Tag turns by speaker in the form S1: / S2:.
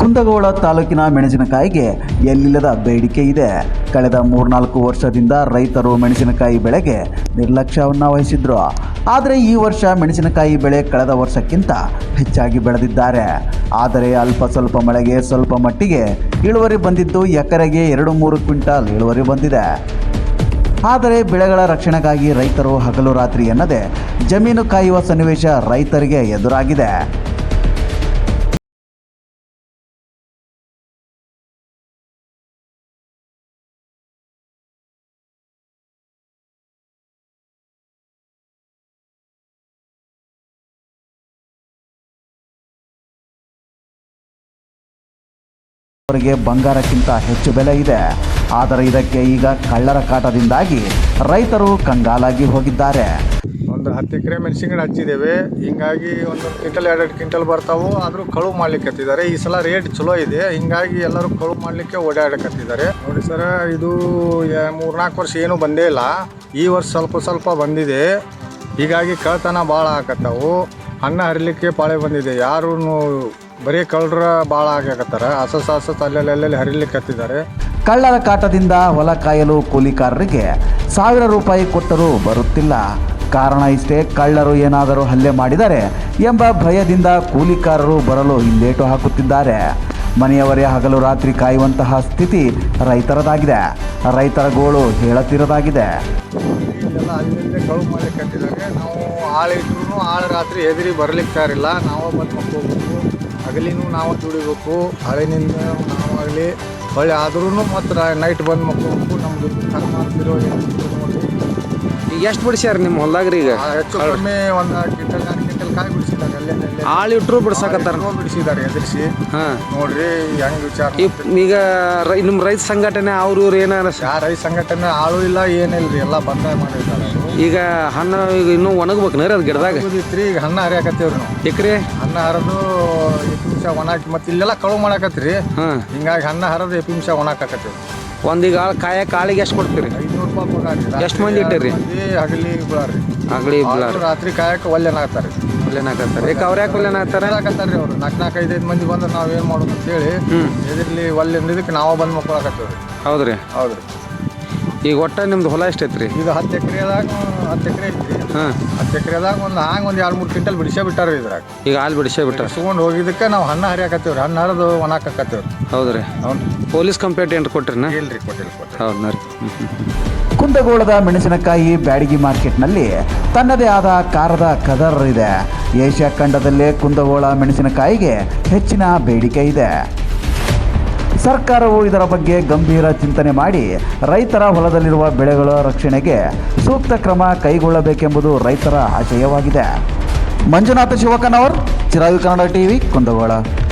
S1: ಕುಂದಗೋಳ ತಾಲೂಕಿನ ಮೆಣಸಿನಕಾಯಿಗೆ ಎಲ್ಲಿಲ್ಲದ ಬೇಡಿಕೆ ಇದೆ. ಕಳೆದ 3-4 ವರ್ಷದಿಂದ ರೈತರು ಮೆಣಸಿನಕಾಯಿ ಬೆಳೆಗೆ ನಿರ್ಲಕ್ಷ್ಯವನ್ನು ವಹಿಸಿದ್ರು. ಆದರೆ ಈ ವರ್ಷ ಮೆಣಸಿನಕಾಯಿ ಬೆಳೆ ಕಳೆದ ವರ್ಷಕ್ಕಿಂತ ಹೆಚ್ಚಾಗಿ ಬೆಳೆದಿದ್ದಾರೆ. ಆದರೆ ಅಲ್ಪ ಸ್ವಲ್ಪ ಮಳೆಗೆ ಸ್ವಲ್ಪ ಮಟ್ಟಿಗೆ ಇಳುವರಿ ಬಂದಿದ್ದು ಎಕರೆಗೆ 2-3 ಕ್ವಿಂಟಾಲ್ ಇಳುವರಿ ಬಂದಿದೆ. ಆದರೆ ಬೆಳೆಗಳ ರಕ್ಷಣೆಗಾಗಿ ರೈತರು ಹಗಲು ರಾತ್ರಿ ಎನ್ನದೆ ಜಮೀನು ಕಾಯುವ ಸನ್ನಿವೇಶ ರೈತರಿಗೆ ಎದುರಾಗಿದೆ. ಅವರಿಗೆ ಬಂಗಾರಕ್ಕಿಂತ ಹೆಚ್ಚು ಬೆಲೆ ಇದೆ. ಆದರೆ ಇದಕ್ಕೆ ಈಗ ಕಳ್ಳರ ಕಾಟದಿಂದಾಗಿ ರೈತರು ಕಂಗಾಲಾಗಿ ಹೋಗಿದ್ದಾರೆ.
S2: ಒಂದು 10 ಎಕರೆ ಮೆಣಸಿನಕಾಯಿ ಹಚ್ಚಿದ್ದೇವೆ. ಹಿಂಗಾಗಿ 1 ಕ್ವಿಂಟಲ್ 2 ಕ್ವಿಂಟಲ್ ಬರ್ತಾವು. ಆದರೂ ಕಳುವು ಮಾಡ್ಲಿಕ್ಕೆ ಹತ್ತಿದ್ದಾರೆ. ಈ ಸಲ ರೇಟ್ ಚಲೋ ಇದೆ, ಹಿಂಗಾಗಿ ಎಲ್ಲರೂ ಕಳುವು ಮಾಡಲಿಕ್ಕೆ ಓಡಾಡಕತ್ತಿದ್ದಾರೆ. ನೋಡಿ ಸರ್, ಇದು 3-4 ವರ್ಷ ಏನೂ ಬಂದೇ ಇಲ್ಲ. ಈ ವರ್ಷ ಸ್ವಲ್ಪ ಬಂದಿದೆ. ಹೀಗಾಗಿ ಕಳ್ತನ ಭಾಳ ಆಕತ್ತಾವು. ಹಣ್ಣು ಹರಿಲಿಕ್ಕೆ ಪಾಳೆ ಬಂದಿದೆ. ಯಾರೂ ಬರೀ ಕಳ್ಳರ ಭಾಳ ಆಗಕತ್ತಾರ. ಹಸಸ ಅಲ್ಲೆಲ್ಲಿ ಹರಿಲಿಕ್ಕೆ ಹತ್ತಿದ್ದಾರೆ.
S1: ಕಳ್ಳರ ಕಾಟದಿಂದ ಹೊಲ ಕಾಯಲು ಕೂಲಿಕಾರರಿಗೆ 1000 ರೂಪಾಯಿ ಕೊಟ್ಟರೂ ಬರುತ್ತಿಲ್ಲ. ಕಾರಣ ಇಷ್ಟೇ, ಕಳ್ಳರು ಏನಾದರೂ ಹಲ್ಲೆ ಮಾಡಿದರೆ ಎಂಬ ಭಯದಿಂದ ಕೂಲಿಕಾರರು ಬರಲು ಹಿಂದೇಟು ಹಾಕುತ್ತಿದ್ದಾರೆ. ಮನೆಯವರೇ ಹಗಲು ರಾತ್ರಿ ಕಾಯುವಂತಹ ಸ್ಥಿತಿ ರೈತರದಾಗಿದೆ. ರೈತರ ಗೋಳು ಹೇಳತಿರದಾಗಿದೆ.
S2: ಎಲ್ಲ ಅಲ್ಲಿಂದ ಕಳುವು ಮಾಡಲಿಕ್ಕೆ ಹತ್ತಿದ್ದಾರೆ. ನಾವು ಆಳಿಟ್ರು ರಾತ್ರಿ ಎದುರಿ ಬರ್ಲಿಕ್ಕೆ ತಯಾರಿಲ್ಲ. ನಾವು ಬಂದು ಮಕ್ಕೋಬೇಕು. ಹಗಲಿನೂ ನಾವು ದುಡಿಬೇಕು. ಹಳೆನಿಂದ ನಾವಾಗಲಿ ಹೊಳ್ಳಿ ಆದ್ರೂ ಮತ್ತು ನೈಟ್ ಬಂದು ಮಕ್ಕೋಬೇಕು. ನಮ್ಮದು ಕರ್ಮ ಅಂತಿರೋ
S3: ಈಗ ಎಷ್ಟು ಬಿಡಿಸ್ಯಾರ ನಿಮ್ಮ ಹೊಲ್ದಾಗ್ರಿ? ಈಗ
S2: ಹೆಚ್ಚು ಕಡಿಮೆ 1 ಕ್ವಿಂಟಲ್ 2 ಕ್ವಿಂಟಲ್ ಕಾಯಿ ಬಿಡಿಸಿದ್ದಾರೆ. ಅಲ್ಲೇ
S3: ಆಳು ಇಟ್ಟರು ಬಿಡ್ಸಾಕತ್ತಾರ.
S2: ಬಿಡಿಸಿದ್ದಾರೆ ಎದುರಿಸಿ. ನೋಡ್ರಿ ಹೆಂಗೆ ವಿಚಾರ.
S3: ಈಗ ನಿಮ್ಮ ರೈತ ಸಂಘಟನೆ ಅವ್ರು ಏನಾರ
S2: ರೈತ ಸಂಘಟನೆ ಆಳು ಇಲ್ಲ, ಏನಿಲ್ಲ ರೀ, ಎಲ್ಲ ಬಂದಾಯ ಮಾಡಿದ್ದಾರೆ.
S3: ಈಗ ಹಣ್ಣು ಈಗ ಇನ್ನೂ ಒಣಗ್ಬೇಕು ಅದು ಗಿಡದಾಗ
S2: ಇತ್ರಿ. ಈಗ ಹಣ್ಣು ಹರಿಯಾಕತ್ತೀವ್ರಿ ನಾವು.
S3: ಎಕರೆ
S2: ಹಣ್ಣು ಹರಿದು 2 ನಿಮಿಷ ಒಣಾಕಿ ಮತ್ತೆ ಇಲ್ಲೆಲ್ಲ ಕಳುವು ಮಾಡಾಕತ್ರಿ. ಹಿಂಗಾಗಿ ಹಣ್ಣು ಹರಿದು 2 ನಿಮಿಷ ಒಣಾಕತ್ತೀವಿ.
S3: ಒಂದೀಗ ಕಾಳಿಗೆ ಎಷ್ಟು ಕೊಡ್ತೀರಿ?
S2: 500 ರೂಪಾಯಿ ಪಗಾರ.
S3: ಎಷ್ಟು ಮಂದಿ ಇಟ್ಟಿರಿ?
S2: ಹಗಲಿ ಬಿಳಾರಿ.
S3: ಹಗಲಿ
S2: ರಾತ್ರಿ ಕಾಯಕ್ಕೆ ಒಲ್ಲೆನಾಗ್ತಾರೆ.
S3: ಯಾಕೆ ಅವ್ರು ಯಾಕೆ ಒಲ್ಲೆನಾಗ್ತಾರೆ?
S2: ಹಾಕತ್ತಾರ್ರಿ ಅವ್ರು. 4-5 ಮಂದಿ ಬಂದ್ರೆ ನಾವೇನು ಮಾಡೋದು ಅಂತೇಳಿ ಎದಿರ್ಲಿ ಒಲ್ಲೆಂದ ಇದಕ್ಕೆ ನಾವು ಬಂದು ಮಕ್ಕಳಾಕತ್ತೀವಿ.
S3: ಹೌದ್ರಿ?
S2: ಹೌದ್ರಿ.
S3: ಈಗ ಒಟ್ಟು ನಿಮ್ದು ಹೊಲ ಎಷ್ಟೈತ್ರಿ?
S2: ಈಗ 10 ಎಕರೆದಾಗ 10 ಎಕರೆ ಐತ್ರಿ. 10 ಎಕರೆದಾಗ ಒಂದು 2-3 ಕ್ವಿಂಟಲ್ ಬಿಡಿಸೇ ಬಿಟ್ಟಾರ ಇದ್ರಾಗ. ಈಗ
S3: ಹಾಲು ಬಿಡಿಸೇ ಬಿಟ್ಟಾರ.
S2: ಸುಗೊಂಡು ಹೋಗಿದ್ದಕ್ಕೆ ನಾವು ಹಣ್ಣು ಹರಿಯಾಕತ್ತೀವ್ರಿ. ಹಣ್ಣು ಹರಿದು ಒಣಾಕತ್ತೀವ್ರಿ.
S3: ಹೌದ್ರಿ?
S2: ಹೌದು.
S3: ಪೊಲೀಸ್ ಕಂಪ್ಲೇಂಟ್ ಏನು ಕೊಟ್ಟಿರಿ?
S2: ಇಲ್ರಿ, ಕೊಟ್ಟಿಲ್ಲ.
S3: ಹೌದಾ ರೀ?
S1: ಕುಂದಗೋಳದ ಮೆಣಸಿನಕಾಯಿ ಬ್ಯಾಡಗಿ ಮಾರ್ಕೆಟ್ನಲ್ಲಿ ತನ್ನದೇ ಆದ ಕಾರದ ಕದರ್ ಇದೆ. ಏಷ್ಯಾ ಖಂಡದಲ್ಲೇ ಕುಂದಗೋಳ ಮೆಣಸಿನಕಾಯಿಗೆ ಹೆಚ್ಚಿನ ಬೇಡಿಕೆ ಇದೆ. ಸರ್ಕಾರವು ಇದರ ಬಗ್ಗೆ ಗಂಭೀರ ಚಿಂತನೆ ಮಾಡಿ ರೈತರ ಹೊಲದಲ್ಲಿರುವ ಬೆಳೆಗಳ ರಕ್ಷಣೆಗೆ ಸೂಕ್ತ ಕ್ರಮ ಕೈಗೊಳ್ಳಬೇಕೆಂಬುದು ರೈತರ ಆಶಯವಾಗಿದೆ. ಮಂಜುನಾಥ ಶಿವಕನವರ್, ಚಿರಾಯು ಕನ್ನಡ ಟಿವಿ, ಕುಂದಗೋಳ.